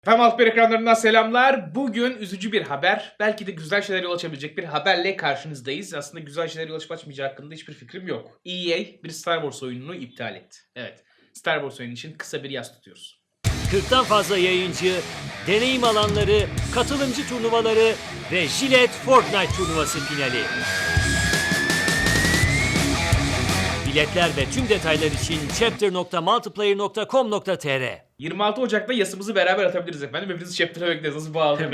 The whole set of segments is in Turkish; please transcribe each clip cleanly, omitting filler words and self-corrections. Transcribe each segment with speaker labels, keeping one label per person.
Speaker 1: Efendim Altper ekranlarından selamlar. Bugün üzücü bir haber. Belki de güzel şeylere yol açabilecek bir haberle karşınızdayız. Aslında güzel şeylere yol açıp açmayacağı hakkında hiçbir fikrim yok. EA bir Star Wars oyununu iptal etti. Evet, Star Wars oyunu için kısa bir yas tutuyoruz.
Speaker 2: 40'tan fazla yayıncı, deneyim alanları, katılımcı turnuvaları ve Gillette Fortnite turnuvası finali. Biletler ve tüm detaylar için chapter.multiplayer.com.tr
Speaker 1: 26 Ocak'ta yasımızı beraber atabiliriz efendim. Hepinizi chapter'a bekleriz. Nasıl bağlı?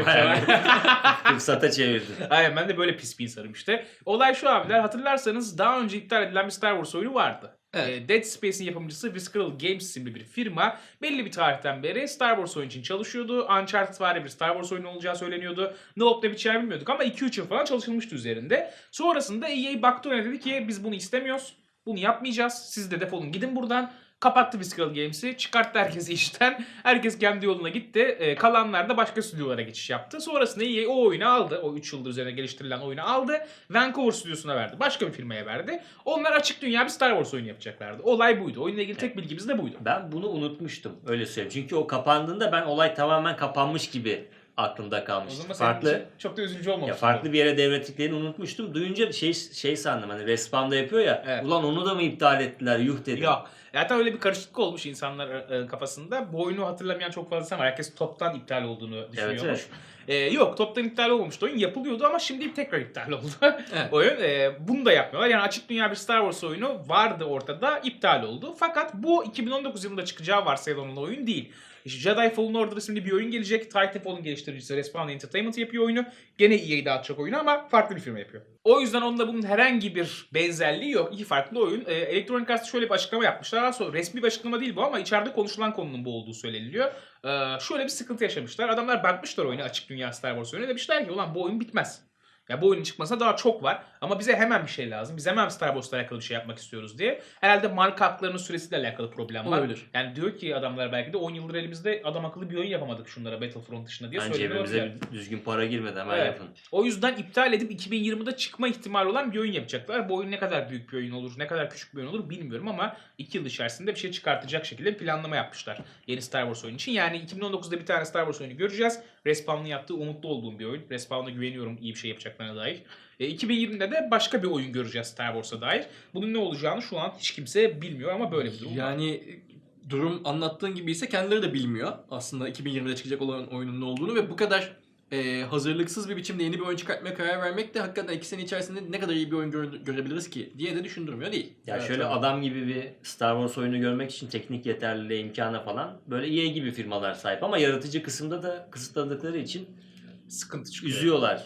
Speaker 3: Fırsata çevirdin.
Speaker 1: Aynen, ben de böyle pis bir insanım işte. Olay şu abiler, hatırlarsanız daha önce iptal edilen bir Star Wars oyunu vardı.
Speaker 3: Evet.
Speaker 1: Dead Space'in yapımcısı Visceral Games isimli bir firma belli bir tarihten beri Star Wars oyunu için çalışıyordu. Uncharted var bir Star Wars oyunu olacağı söyleniyordu. Ne olup ne biteceğini bilmiyorduk ama 2-3 yıl falan çalışılmıştı üzerinde. Sonrasında EA baktı öyle, dedi ki biz bunu istemiyoruz. Bunu yapmayacağız. Siz de defolun gidin buradan. Kapattı Visceral Games'i. Çıkarttı herkesi işten. Herkes kendi yoluna gitti. Kalanlar da başka stüdyolara geçiş yaptı. Sonrasında EA o oyunu aldı. O 3 yıldır üzerine geliştirilen oyunu aldı. Vancouver stüdyosuna verdi. Başka bir firmaya verdi. Onlar açık dünya bir Star Wars oyunu yapacaklardı. Olay buydu. Oyunla ilgili tek bilgimiz de buydu.
Speaker 3: Ben bunu unutmuştum. Öyle söyleyeyim. Çünkü o kapandığında ben olay tamamen kapanmış gibi aklımda
Speaker 1: O
Speaker 3: kalmıştı.
Speaker 1: zaman senin
Speaker 3: Farklı
Speaker 1: için çok da üzücü olmamış.
Speaker 3: ya farklı bir yere devrettiklerini unutmuştum. Duyunca şey sandım, hani Respawn'da yapıyor ya.
Speaker 1: Evet.
Speaker 3: Ulan onu da mı iptal ettiler? Yuh dedim.
Speaker 1: Yok. Zaten öyle bir karışıklık olmuş insanlar kafasında. Bu oyunu hatırlamayan çok fazla insan var. Herkes toptan iptal olduğunu düşünüyormuş. Yok, toptan iptal olmamıştı. Oyun yapılıyordu ama şimdi tekrar iptal oldu.
Speaker 3: Evet.
Speaker 1: Oyun. Bunu da yapmıyorlar. Yani açık dünya bir Star Wars oyunu vardı ortada, iptal oldu. Fakat bu 2019 yılında çıkacağı varsayılan oyun değil. İşte Jedi Fallen Order isimli bir oyun gelecek. Titanfall'un geliştiricisi Respawn Entertainment yapıyor oyunu. Gene EA dağıtacak oyunu ama farklı bir firma yapıyor. O yüzden onunla bunun herhangi bir benzerliği yok. İki farklı oyun. Electronic Arts şöyle bir açıklama yapmışlar. Aslında resmi bir açıklama değil bu ama içeride konuşulan konunun bu olduğu söyleniliyor. Şöyle bir sıkıntı yaşamışlar. Adamlar bakmışlar oyuna, açık dünya Star Wars oyunu. Demişler ki ulan bu oyun bitmez. Ya bu oyunun çıkmasına daha çok var ama bize hemen bir şey lazım. Biz hemen Star Wars'la alakalı bir şey yapmak istiyoruz diye. Herhalde marka haklarının süresiyle alakalı problem var.
Speaker 3: Olabilir.
Speaker 1: Yani diyor ki adamlar belki de 10 yıldır elimizde adam akıllı bir oyun yapamadık şunlara Battlefront dışında diye
Speaker 3: Bence
Speaker 1: söylüyorlar.
Speaker 3: cebimize bir düzgün para girmedi, hemen
Speaker 1: Evet.
Speaker 3: yapın.
Speaker 1: O yüzden iptal edip 2020'de çıkma ihtimali olan bir oyun yapacaklar. Bu oyun ne kadar büyük bir oyun olur, ne kadar küçük bir oyun olur bilmiyorum ama 2 yıl içerisinde bir şey çıkartacak şekilde bir planlama yapmışlar yeni Star Wars oyunu için. Yani 2019'da bir tane Star Wars oyunu göreceğiz. Respawn'ın yaptığı umutlu olduğum bir oyun. Respawn'a güveniyorum iyi bir şey yapacaklarına dair. 2020'de de başka bir oyun göreceğiz Star Wars'a dair. Bunun ne olacağını şu an hiç kimse bilmiyor ama böyle bir durum var.
Speaker 4: Yani durum anlattığın gibi ise kendileri de bilmiyor aslında 2020'de çıkacak olan oyunun ne olduğunu ve bu kadar hazırlıksız bir biçimde yeni bir oyun çıkartmaya karar vermek de hakikaten 2 sene içerisinde ne kadar iyi bir oyun görebiliriz ki diye de düşündürmüyor değil.
Speaker 3: Ya
Speaker 4: Evet,
Speaker 3: şöyle
Speaker 4: tabii.
Speaker 3: adam gibi bir Star Wars oyunu görmek için teknik yeterliliğe, imkana falan böyle EA gibi firmalar sahip ama yaratıcı kısımda da kısıtladıkları için
Speaker 1: Sıkıntı çıkıyor.
Speaker 3: üzüyorlar.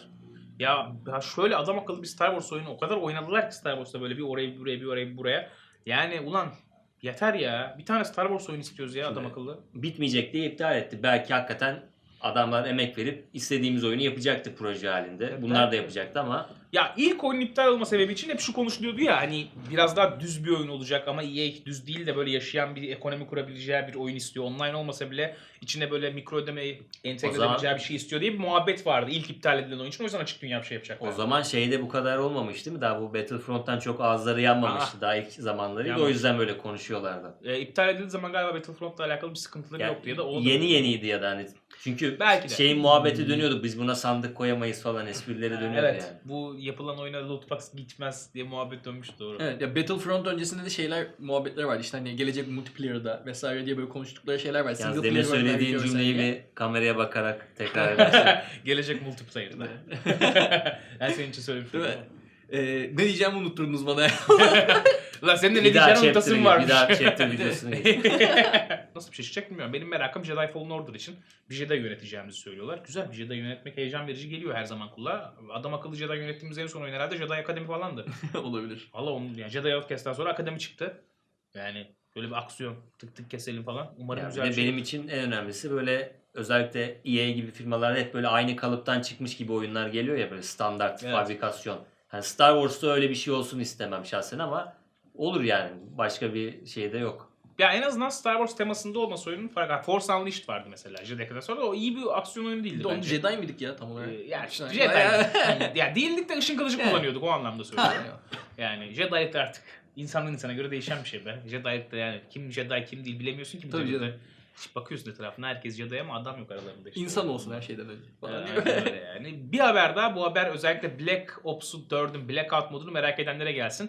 Speaker 1: Ya şöyle adam akıllı bir Star Wars oyunu o kadar oynadılar ki Star Wars'ta böyle bir oraya bir buraya bir oraya bir buraya. Yani ulan yeter ya. Bir tane Star Wars oyunu istiyoruz ya adam akıllı.
Speaker 3: Bitmeyecek diye iptal etti. Belki hakikaten adamlar emek verip istediğimiz oyunu yapacaktı proje halinde. Bunlar da yapacaktı ama
Speaker 1: Ya ilk oyunun iptal olma sebebi için hep şu konuşuluyordu ya, hani biraz daha düz bir oyun olacak ama EA düz değil de böyle yaşayan bir ekonomi kurabileceği bir oyun istiyor. Online olmasa bile içine böyle mikro ödemeyi entegre edebileceği bir şey istiyor diye bir muhabbet vardı ilk iptal edilen oyun için. O yüzden açık dünya bir şey yapacaklar.
Speaker 3: o zaman şeyde bu kadar olmamış değil mi? Daha bu Battlefront'tan çok ağızları yanmamıştı daha ilk zamanlarıydı. O
Speaker 1: Yanmamış.
Speaker 3: yüzden böyle konuşuyorlardı.
Speaker 1: İptal edildiği zaman galiba Battlefront'la alakalı bir sıkıntıları
Speaker 3: Yani
Speaker 1: yoktu ya da o
Speaker 3: yeniydi ya da hani çünkü
Speaker 1: Belki de.
Speaker 3: şeyin muhabbeti dönüyordu. Biz buna sandık koyamayız falan esprileri dönüyordu
Speaker 1: Evet,
Speaker 3: yani.
Speaker 1: bu yapılan oyuna lootbox gitmez diye muhabbet dönmüş, doğru.
Speaker 4: Evet ya Battlefront öncesinde de şeyler muhabbetler vardı işte hani gelecek multiplayer'da vesaire diye böyle konuştukları şeyler var.
Speaker 3: Yalnız
Speaker 4: Single
Speaker 3: demin
Speaker 4: player
Speaker 3: söylediğin
Speaker 4: oyunlar
Speaker 3: cümleyi
Speaker 4: görsen
Speaker 3: bir kameraya bakarak tekrar edersen.
Speaker 1: Gelecek multiplayer'da. Ben senin için söylemiştim.
Speaker 4: Değil mi? Ne diyeceğimi unutturdunuz bana.
Speaker 1: Lan senin de ne
Speaker 3: bir daha
Speaker 1: diyeceğini unutasın varmış.
Speaker 3: bir daha chapter videosunu geç.
Speaker 1: Nasıl bir şey çıkacak bilmiyorum. Benim merakım Jedi Fallen Order için bir Jedi yöneteceğimizi söylüyorlar. Güzel, bir Jedi yönetmek heyecan verici geliyor her zaman kulağa. Adam akıllı Jedi yönettiğimiz en son oyun herhalde Jedi Akademi falandı.
Speaker 4: Olabilir.
Speaker 1: Valla onun yani Jedi Outcast'tan sonra Akademi çıktı. Yani böyle bir aksiyon, tık tık keselim falan. Umarım
Speaker 3: Yani
Speaker 1: güzel
Speaker 3: bir
Speaker 1: bir
Speaker 3: de
Speaker 1: şey.
Speaker 3: benim için en önemlisi böyle özellikle EA gibi firmalar hep böyle aynı kalıptan çıkmış gibi oyunlar geliyor ya, böyle standart
Speaker 1: Evet.
Speaker 3: fabrikasyon. Yani Star Wars'ta öyle bir şey olsun istemem şahsen ama olur yani. Başka bir şey de yok.
Speaker 1: Ya en azından Star Wars temasında olması oyunun farkı. Force Unleashed vardı mesela Jedi'den sonra. O iyi bir aksiyon oyunu değildi
Speaker 4: Bir de onu
Speaker 1: bence.
Speaker 4: Jedi miydik ya tam olarak?
Speaker 1: Yani
Speaker 4: İşte-
Speaker 1: Jedi. Ya değildik de ışın kılıcı kullanıyorduk, o anlamda söylüyorum. Yani Jedi'lik artık insandan insana göre değişen bir şey be. Jedi'lik de yani kim Jedi kim değil bilemiyorsun ki.
Speaker 4: Tabii canım.
Speaker 1: İşte bakıyorsun etrafına herkes Jedi ama adam yok aralarında işte.
Speaker 4: İnsan olsun her şeyden önce. Falan diye.
Speaker 1: Aynen öyle yani. Bir haber daha, bu haber özellikle Black Ops'u 4'ün Blackout modunu merak edenlere gelsin.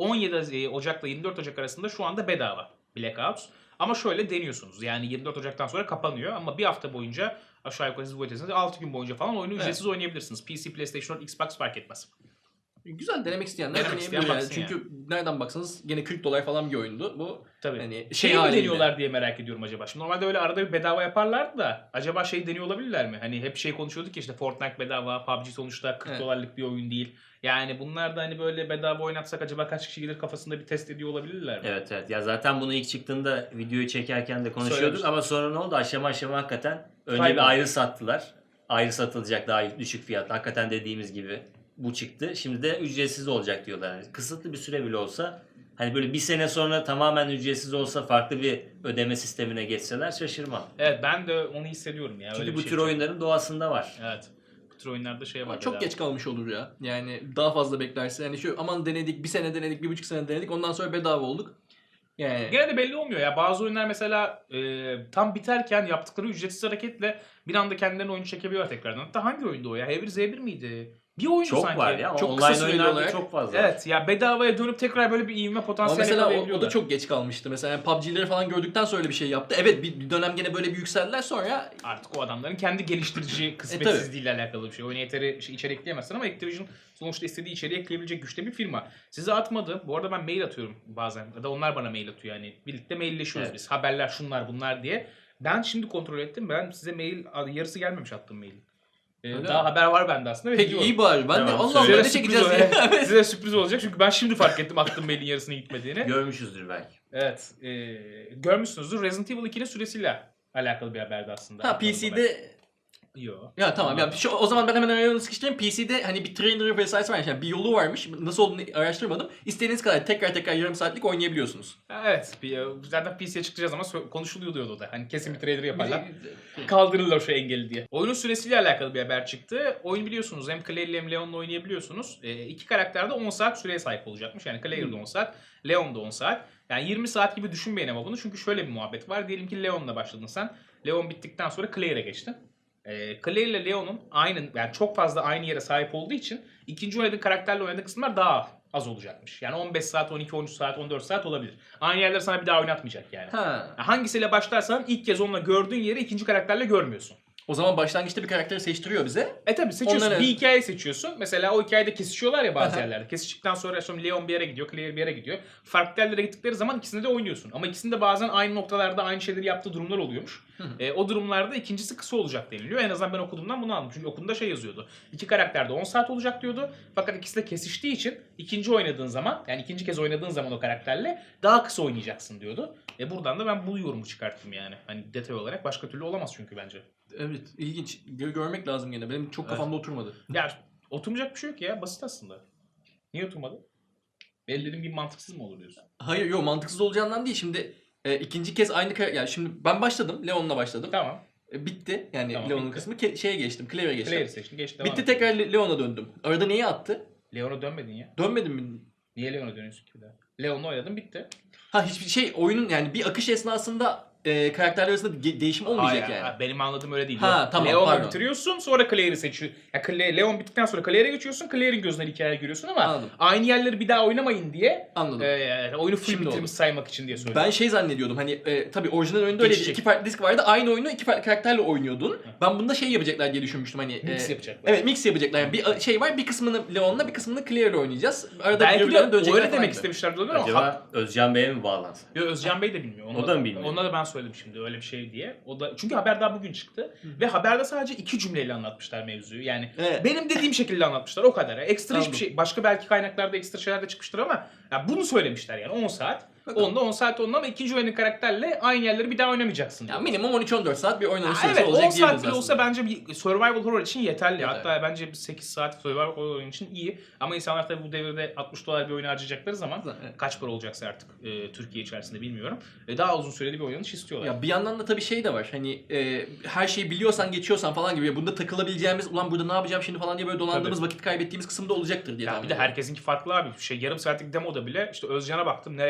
Speaker 1: 17 Ocak'la 24 Ocak arasında şu anda bedava Blackout. Ama şöyle deniyorsunuz. Yani 24 Ocak'tan sonra kapanıyor ama bir hafta boyunca aşağı yukarı siz bu ötesinde 6 gün boyunca falan oyunu ücretsiz oynayabilirsiniz. PC, PlayStation 4, Xbox fark etmez.
Speaker 4: Güzel, denemek isteyenler
Speaker 1: Denemek
Speaker 4: deneyebilir
Speaker 1: isteyen
Speaker 4: yani.
Speaker 1: baksın
Speaker 4: Çünkü nereden baksanız gene $40 falan bir oyundu bu.
Speaker 1: Tabii.
Speaker 4: Hani
Speaker 1: Şey mi
Speaker 4: haliyle.
Speaker 1: deniyorlar diye merak ediyorum acaba. Şimdi normalde öyle arada bir bedava yaparlardı da acaba şey deniyor olabilirler mi? Hani hep şey konuşuyorduk ya işte Fortnite bedava, PUBG sonuçta 40
Speaker 4: Evet.
Speaker 1: dolarlık bir oyun değil. Yani bunlar da hani böyle bedava oynatsak acaba kaç kişi gelir kafasında bir test ediyor olabilirler mi?
Speaker 3: Evet evet. Ya zaten bunu ilk çıktığında videoyu çekerken de konuşuyorduk
Speaker 1: Söylemiştim.
Speaker 3: ama sonra ne oldu? Aşama aşama hakikaten önce
Speaker 1: Kayboldu.
Speaker 3: bir ayrı sattılar. Ayrı satılacak daha düşük fiyat. Hakikaten dediğimiz gibi bu çıktı. Şimdi de ücretsiz olacak diyorlar. Yani kısıtlı bir süre bile olsa hani böyle bir sene sonra tamamen ücretsiz olsa farklı bir ödeme sistemine geçseler şaşırmam.
Speaker 1: Evet ben de onu hissediyorum ya.
Speaker 3: Çünkü
Speaker 1: öyle bir
Speaker 3: bu
Speaker 1: şey
Speaker 3: tür
Speaker 1: çok-
Speaker 3: oyunların doğasında var.
Speaker 1: Evet. Bu tür oyunlarda şey var.
Speaker 4: Ama çok
Speaker 1: bedava.
Speaker 4: geç kalmış olur ya. Yani daha fazla beklerse. Yani şu aman denedik, bir sene denedik, 1,5 sene denedik, ondan sonra bedava olduk. Yani
Speaker 1: Gene de belli olmuyor ya. Bazı oyunlar mesela tam biterken yaptıkları ücretsiz hareketle bir anda kendilerine oyunu çekebiliyorlar tekrardan. Hatta hangi oyundu o ya? H1Z1 miydi? Bir oyundu
Speaker 3: Çok
Speaker 1: sanki.
Speaker 3: var ya.
Speaker 4: Çok
Speaker 3: Online
Speaker 4: kısa süreli
Speaker 3: oyunlarda
Speaker 4: olarak.
Speaker 3: çok fazla.
Speaker 1: Evet ya bedavaya dönüp tekrar böyle bir ivme
Speaker 4: ama
Speaker 1: potansiyeli
Speaker 4: mesela o da
Speaker 1: yakalayabiliyorlar.
Speaker 4: çok geç kalmıştı. Mesela yani PUBG'leri falan gördükten sonra öyle bir şey yaptı. Evet bir dönem gene böyle bir yükseldiler, sonra
Speaker 1: Artık o adamların kendi geliştirici kısmetsizliğiyle alakalı bir şey. Oyuna yeteri içeri ekleyemezsin ama Activision sonuçta istediği içeriği ekleyebilecek güçte bir firma. Size atmadı. Bu arada ben mail atıyorum bazen. Ya da onlar bana mail atıyor yani. Birlikte mailleşiyoruz
Speaker 3: Evet.
Speaker 1: biz. Haberler şunlar bunlar diye. Ben şimdi kontrol ettim. Ben size mail yarısı gelmemiş attığım mailin.
Speaker 4: Öyle
Speaker 1: Daha
Speaker 4: mi?
Speaker 1: haber var bende aslında. ve
Speaker 4: peki
Speaker 1: gidiyorum.
Speaker 4: iyi bari. Ben de
Speaker 3: Tamam,
Speaker 4: Allah Allah
Speaker 1: Size
Speaker 4: ne
Speaker 1: sürpriz
Speaker 4: çekeceğiz
Speaker 1: olacak.
Speaker 4: diye.
Speaker 1: Size sürpriz olacak çünkü ben şimdi fark ettim attığım mailin yarısının gitmediğini.
Speaker 3: Görmüşüzdür belki.
Speaker 1: Evet. Görmüşsünüzdür. Resident Evil 2'nin süresiyle alakalı bir haberdi aslında.
Speaker 4: Ha PC'de
Speaker 1: Yok.
Speaker 4: ya tamam ya o zaman ben hemen araya sıkıştırayım. PC'de hani bir trailer vesairesi varmış. Yani bir yolu varmış. Nasıl olduğunu araştırmadım. İstediğiniz kadar tekrar yarım saatlik oynayabiliyorsunuz.
Speaker 1: Evet. Zaten PC'ye çıkacağı zaman konuşuluyor diyordu o da. Hani kesin bir trailer yaparlar. Kaldırırlar şu engeli diye. Oyunun süresiyle alakalı bir haber çıktı. Oyun biliyorsunuz hem Claire hem Leon'la oynayabiliyorsunuz. İki karakter de 10 saat süreye sahip olacakmış. Yani Claire de 10 saat, Leon da 10 saat. Yani 20 saat gibi düşünmeyin ama bunu. Çünkü şöyle bir muhabbet var. Diyelim ki Leon'la başladın sen. Leon bittikten sonra Claire'e geçtin. Claire ile Leon'un yani çok fazla aynı yere sahip olduğu için ikinci oynadığın karakterle oynadığın kısımlar daha az olacakmış. Yani 15 saat, 12, 13 saat, 14 saat olabilir. Aynı yerleri sana bir daha oynatmayacak yani.
Speaker 4: Ha.
Speaker 1: Hangisiyle başlarsan ilk kez onunla gördüğün yeri ikinci karakterle görmüyorsun.
Speaker 4: O zaman başlangıçta bir karakteri seçtiriyor bize.
Speaker 1: Tabii seçiyorsun.
Speaker 4: Onları-
Speaker 1: Bir hikaye seçiyorsun. Mesela o hikayede kesişiyorlar ya bazı
Speaker 4: Aha.
Speaker 1: yerlerde. Kesiştikten sonra sonra Leon bir yere gidiyor, Claire bir yere gidiyor. Farklı yerlere gittikleri zaman ikisinde de oynuyorsun. Ama ikisinde bazen aynı noktalarda aynı şeyleri yaptığı durumlar oluyormuş. O durumlarda ikincisi kısa olacak deniliyor. En azından ben okuduğumdan bunu aldım. Çünkü okulunda şey yazıyordu. İki karakter de 10 saat olacak diyordu. Fakat ikisi de kesiştiği için ikinci oynadığın zaman yani ikinci kez oynadığın zaman o karakterle daha kısa oynayacaksın diyordu. Buradan da ben bu yorumu çıkarttım yani. Hani detay olarak başka türlü olamaz çünkü bence.
Speaker 4: Evet, ilginç. Görmek lazım gene. Benim çok kafamda oturmadı.
Speaker 1: Ya oturmayacak bir şey yok ya. Basit aslında. Niye oturmadı? Benim dediğim gibi mantıksız mı olur diyorsun?
Speaker 4: Hayır, yok mantıksız olacağından değil. Şimdi ikinci kez aynı yani şimdi ben başladım. Leon'la başladım.
Speaker 1: Tamam.
Speaker 4: Bitti. Yani
Speaker 1: Tamam,
Speaker 4: Leon'un
Speaker 1: bitti.
Speaker 4: kısmı şeye geçtim. Claire'e geçtim.
Speaker 1: Claire'i seçtin. Geç devam
Speaker 4: Bitti,
Speaker 1: et.
Speaker 4: tekrar Leon'a döndüm. Arada neyi attı?
Speaker 1: Leon'a dönmedin ya.
Speaker 4: Dönmedim mi?
Speaker 1: Niye Leon'a dönüyorsun ki bir daha? Leon'la oynadın bitti.
Speaker 4: Ha hiçbir şey oyunun yani bir akış esnasında karakterler arasında değişim olmayacak
Speaker 1: Hayır,
Speaker 4: yani.
Speaker 1: benim anladığım öyle değil.
Speaker 4: Ha,
Speaker 1: Yok.
Speaker 4: tamam,
Speaker 1: Leon'la
Speaker 4: pardon.
Speaker 1: bitiriyorsun sonra Claire'i seçiyorsun. Ya Leon bittikten sonra Claire'e geçiyorsun. Claire'in gözünden hikaye görüyorsun ama
Speaker 4: Anladım.
Speaker 1: aynı yerleri bir daha oynamayın diye
Speaker 4: Anladım.
Speaker 1: oyunu full
Speaker 4: Şimdi
Speaker 1: bitirmiş
Speaker 4: oldu.
Speaker 1: saymak için diye söylüyorum.
Speaker 4: Ben şey zannediyordum hani tabii orijinal oyunda öyle
Speaker 1: Geçecek.
Speaker 4: iki farklı disk vardı. Aynı oyunu iki farklı karakterle oynuyordun. Ben bunda şey yapacaklar diye düşünmüştüm hani.
Speaker 1: Mix yapacaklar.
Speaker 4: Evet, mix yapacaklar. Yani bir şey var, bir kısmını Leon'la bir kısmını Claire'le oynayacağız. Arada
Speaker 1: Belki
Speaker 4: birbirlerine
Speaker 1: de
Speaker 4: dönecekler
Speaker 1: öyle
Speaker 4: falan
Speaker 1: demek
Speaker 4: gibi.
Speaker 1: istemişlerdir ama
Speaker 3: Acaba Özcan Bey'e mi bağlansın?
Speaker 1: Yo, Özcan Bey de bilmiyor.
Speaker 3: O da mı bilmiyor?
Speaker 1: Ona da ben söyledim şimdi öyle bir şey diye. O da çünkü haber daha bugün çıktı ve haberde sadece 2 cümleyle anlatmışlar mevzuyu. Yani
Speaker 4: Evet.
Speaker 1: benim dediğim şekilde anlatmışlar o kadar. Ekstra
Speaker 4: Anladım.
Speaker 1: hiçbir şey. Başka belki kaynaklarda ekstra şeyler de çıkmıştır ama ya bunu söylemişler yani 10 saat.
Speaker 4: Bakalım.
Speaker 1: Onda 10 saat onda ama ikinci oyunun karakterle aynı yerleri bir daha oynamayacaksın.
Speaker 4: Ya
Speaker 1: diyor.
Speaker 4: minimum 13-14 saat bir oynanış
Speaker 1: Ha,
Speaker 4: süresi
Speaker 1: evet 10
Speaker 4: olacak
Speaker 1: saat
Speaker 4: diyebiliriz
Speaker 1: bile olsa
Speaker 4: aslında.
Speaker 1: bence bir survival horror için yeterli.
Speaker 4: Yeter.
Speaker 1: Hatta bence bir 8 saat survival horror oyun için iyi. Ama insanlar tabii bu devirde $60 bir oyunu harcayacakları zaman
Speaker 4: Evet.
Speaker 1: kaç para olacaksa artık Türkiye içerisinde bilmiyorum. Daha uzun süreli bir oynanış istiyorlar.
Speaker 4: Ya bir yandan da tabii şey de var hani her şeyi biliyorsan geçiyorsan falan gibi bunda takılabileceğimiz ulan burada ne yapacağım şimdi falan diye böyle dolandığımız vakit kaybettiğimiz kısımda olacaktır diye
Speaker 1: Ya
Speaker 4: tahmin
Speaker 1: bir de
Speaker 4: ediyorum.
Speaker 1: herkesinki farklı abi. Yarım saatlik demoda bile işte Özcan'a baktım nereye kadar oynamış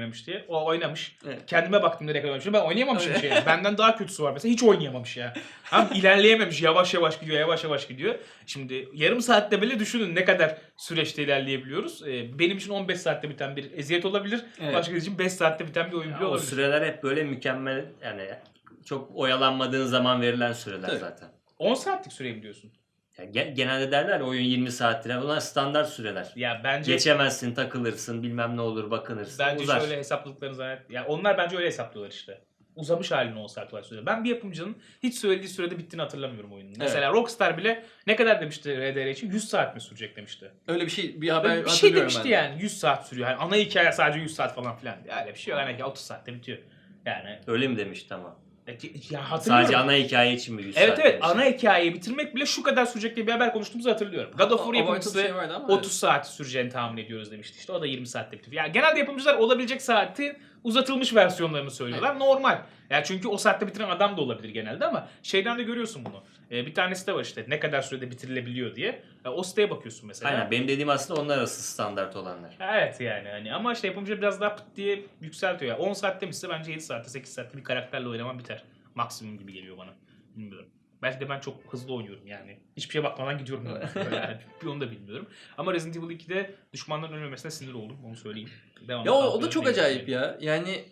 Speaker 1: oynamış diye. O oynamış.
Speaker 4: Evet.
Speaker 1: Kendime baktım nereye kadar oynamış. Ben oynayamamışım şey. Benden daha kötüsü var mesela. Hiç oynayamamış ya. Hem ilerleyememiş. Yavaş yavaş gidiyor. Yavaş yavaş gidiyor. Şimdi yarım saatte bile düşünün ne kadar süreçte ilerleyebiliyoruz. Benim için 15 saatte biten bir eziyet olabilir.
Speaker 4: Evet.
Speaker 1: Başka için 5 saatte biten bir oyun bile
Speaker 3: O
Speaker 1: olabilir.
Speaker 3: süreler hep böyle mükemmel, yani çok oyalanmadığın zaman verilen süreler
Speaker 4: Tabii.
Speaker 3: zaten.
Speaker 1: 10 saatlik süreyi biliyorsun.
Speaker 3: Ya genelde derler oyun 20 saattir. Yani bunlar standart süreler.
Speaker 1: Ya bence
Speaker 3: Geçemezsin, takılırsın, bilmem ne olur, bakınırsın.
Speaker 1: bence
Speaker 3: uzar.
Speaker 1: şöyle hesapladıklarını zannet. Ya onlar bence öyle hesaplıyorlar işte. Uzamış halini 10 saat olarak söylüyor. Ben bir yapımcının hiç söylediği sürede bittiğini hatırlamıyorum oyunun. Mesela Rockstar bile ne kadar demişti RDR için? 100 saat mi sürecek demişti.
Speaker 4: Öyle bir şey, bir haber
Speaker 1: Bir şey
Speaker 4: hatırlıyorum
Speaker 1: demişti
Speaker 4: ben de.
Speaker 1: yani 100 saat sürüyor. Yani ana hikaye sadece 100 saat falan filan. Ya öyle bir şey yok. Ana hikaye 30 saatte bitiyor. Yani
Speaker 3: Öyle mi demişti ama?
Speaker 1: ya hatırlıyorum.
Speaker 3: Sadece ana hikaye için mi 100
Speaker 1: Evet
Speaker 3: saat
Speaker 1: evet
Speaker 3: demişti?
Speaker 1: ana hikayeyi bitirmek bile şu kadar sürecek diye bir haber konuştuğumuzu hatırlıyorum. God of War
Speaker 4: Abartılı bir
Speaker 1: yapımcısı
Speaker 4: şey vardı ama
Speaker 1: 30 saat süreceğini tahmin ediyoruz demişti. İşte o da 20 saatte bitiyor. Yani genelde yapımcılar olabilecek saati uzatılmış versiyonlarını söylüyorlar. Normal. Yani çünkü o saatte bitiren adam da olabilir genelde ama şeyden de görüyorsun bunu. Bir tanesi de var işte ne kadar sürede bitirilebiliyor diye. O siteye bakıyorsun mesela.
Speaker 3: Aynen, benim dediğim aslında onlar arası standart olanlar.
Speaker 1: Evet yani hani ama işte yapımcı biraz daha pıt diye yükseltiyor. Yani 10 saat demişse bence 7 saatte 8 saatte bir karakterle oynaman biter. Maksimum gibi geliyor bana. Bilmiyorum. Belki de ben çok hızlı oynuyorum yani. Hiçbir şeye bakmadan gidiyorum. Yani onu da bilmiyorum. Ama Resident Evil 2'de düşmanların ölmemesine sinir oldum. Onu söyleyeyim.
Speaker 4: Ya o da çok acayip ya. Yani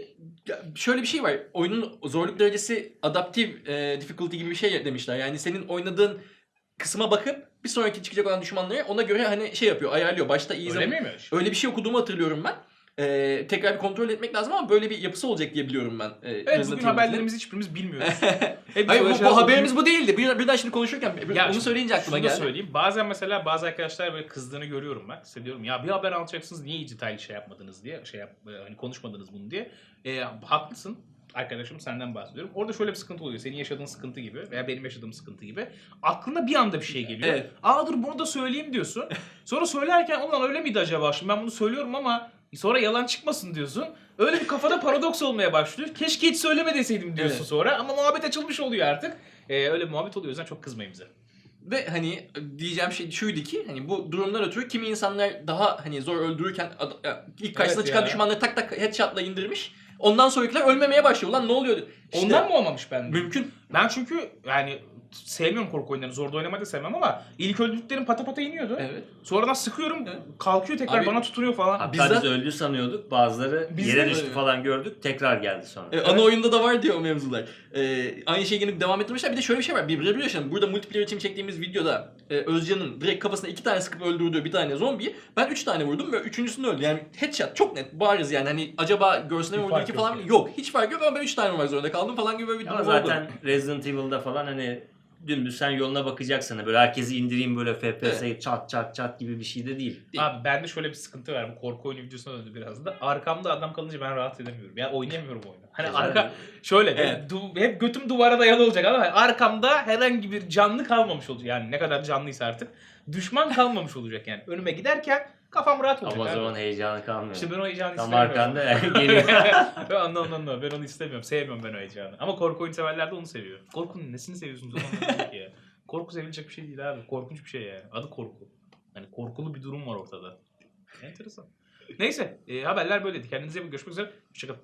Speaker 4: şöyle bir şey var. Oyunun zorluk derecesi adaptive difficulty gibi bir şey demişler. Yani senin oynadığın kısma bakıp bir sonraki çıkacak olan düşmanları ona göre hani şey yapıyor, ayarlıyor. Başta iyi
Speaker 1: Öyle
Speaker 4: zaman.
Speaker 1: miymiş?
Speaker 4: Öyle bir şey okuduğumu hatırlıyorum ben. Tekrar bir kontrol etmek lazım ama böyle bir yapısı olacak diye biliyorum ben.
Speaker 1: Evet bugün haberlerimizi hiçbirimizi bilmiyoruz. Hep
Speaker 4: Hayır
Speaker 1: böyle
Speaker 4: bu
Speaker 1: şeyler
Speaker 4: haberimiz bu değildi. Birden şimdi konuşurken
Speaker 1: Ya
Speaker 4: onu söyleyince aklıma
Speaker 1: şunu da
Speaker 4: geldi.
Speaker 1: söyleyeyim. Bazen mesela bazı arkadaşlar böyle kızdığını görüyorum ben. Hissediyorum ya bir haber alacaksınız niye detaylı şey yapmadınız diye. Hani konuşmadınız bunu diye. Haklısın. Arkadaşım senden bahsediyorum. Orada şöyle bir sıkıntı oluyor. Senin yaşadığın sıkıntı gibi veya benim yaşadığım sıkıntı gibi. Aklına bir anda bir şey geliyor.
Speaker 4: Evet.
Speaker 1: Aa dur bunu da söyleyeyim diyorsun. Sonra söylerken ulan öyle miydi acaba? Şimdi ben bunu söylüyorum ama sonra yalan çıkmasın diyorsun. Öyle bir kafada paradoks olmaya başlıyor. Keşke hiç söyleme deseydim diyorsun
Speaker 4: Evet.
Speaker 1: sonra. Ama muhabbet açılmış oluyor artık. Öyle bir muhabbet oluyor. O yüzden çok kızmayın bize.
Speaker 4: Ve hani diyeceğim şey şuydu ki hani bu durumdan ötürü kimi insanlar daha hani zor öldürürken ilk karşısına
Speaker 1: Evet
Speaker 4: çıkan
Speaker 1: ya.
Speaker 4: düşmanları tak tak headshot'la indirmiş. Ondan sonrakiler ölmemeye başlıyor. Ulan ne oluyor? İşte,
Speaker 1: Ondan mı olmamış bende?
Speaker 4: mümkün.
Speaker 1: Ben çünkü yani sevmiyorum korku oyunlarını. Zorda oynamayı da sevmem ama ilk öldürdüklerim pata pata iniyordu.
Speaker 4: Evet.
Speaker 1: Sonradan sıkıyorum,
Speaker 4: Evet.
Speaker 1: kalkıyor tekrar
Speaker 4: Abi-
Speaker 1: bana tutunuyor falan.
Speaker 3: Hatta
Speaker 4: Bizzat-
Speaker 3: biz öldü sanıyorduk. Bazıları
Speaker 1: Biz
Speaker 3: yere
Speaker 1: de
Speaker 3: düştü
Speaker 4: öyle.
Speaker 3: falan gördük. Tekrar geldi sonra.
Speaker 4: Ana oyunda da var diyor o mevzular. Aynı şeyi yine devam ettirmişler. Bir de şöyle bir şey var. Bir yaşadım. Burada multiplayer için çektiğimiz videoda Özcan'ın direkt kafasına 2 tane sıkıp öldürdüğü bir tane zombiyi ben 3 tane vurdum ve üçüncüsünü öldü. Yani headshot çok net bariz yani. Hani acaba göğsüne mi
Speaker 1: Bir
Speaker 4: vurdu
Speaker 1: fark
Speaker 4: ki
Speaker 1: yok
Speaker 4: falan
Speaker 1: yani.
Speaker 4: yok. Hiç fark yok ama ben 3 tane vurmak zorunda kaldım falan gibi bir durum
Speaker 3: Ama
Speaker 4: oldu.
Speaker 3: zaten Resident Evil'da falan hani dümdüz sen yoluna bakacaksın. Hani böyle herkesi indireyim böyle FPS'yi çat çat çat gibi bir şey de değil.
Speaker 1: Abi bende şöyle bir sıkıntı var. Bu korku oyunu videosuna döndü biraz da. Arkamda adam kalınca ben rahat edemiyorum. Ya oynayamıyorum oyunu. Hani
Speaker 3: Güzel
Speaker 1: arka
Speaker 3: bir-
Speaker 1: şöyle
Speaker 4: Evet.
Speaker 1: hep götüm duvara dayalı olacak ama arkamda herhangi bir canlı kalmamış olacak. Yani ne kadar canlıysa artık. Düşman kalmamış olacak yani. Önüme giderken kafam rahat olacak.
Speaker 3: Ama o
Speaker 1: abi.
Speaker 3: zaman heyecanı kalmıyor.
Speaker 1: İşte ben o heyecanı
Speaker 3: Tam
Speaker 1: istemiyorum.
Speaker 3: arkanda geliyor.
Speaker 1: Ben anlamam. Ben onu istemiyorum. Sevmiyorum ben o heyecanı. Ama korku oyunu severler de onu seviyor. Korkunun nesini seviyorsunuz? Onu anlamadım ki ya. Korku sevilecek bir şey değil abi. Korkunç bir şey yani. Adı korku. Hani korkulu bir durum var ortada. Enteresan. Neyse. Haberler böyleydi. Kendinize iyi bakın. Görüşmek üzere. Hoşçakalın.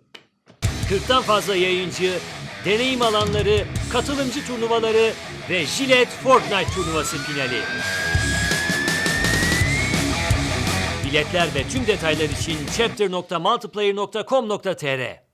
Speaker 2: 40'tan fazla yayıncı, deneyim alanları, katılımcı turnuvaları ve Gillette Fortnite turnuvası finali. Biletler ve tüm detaylar için chapter.multiplayer.com.tr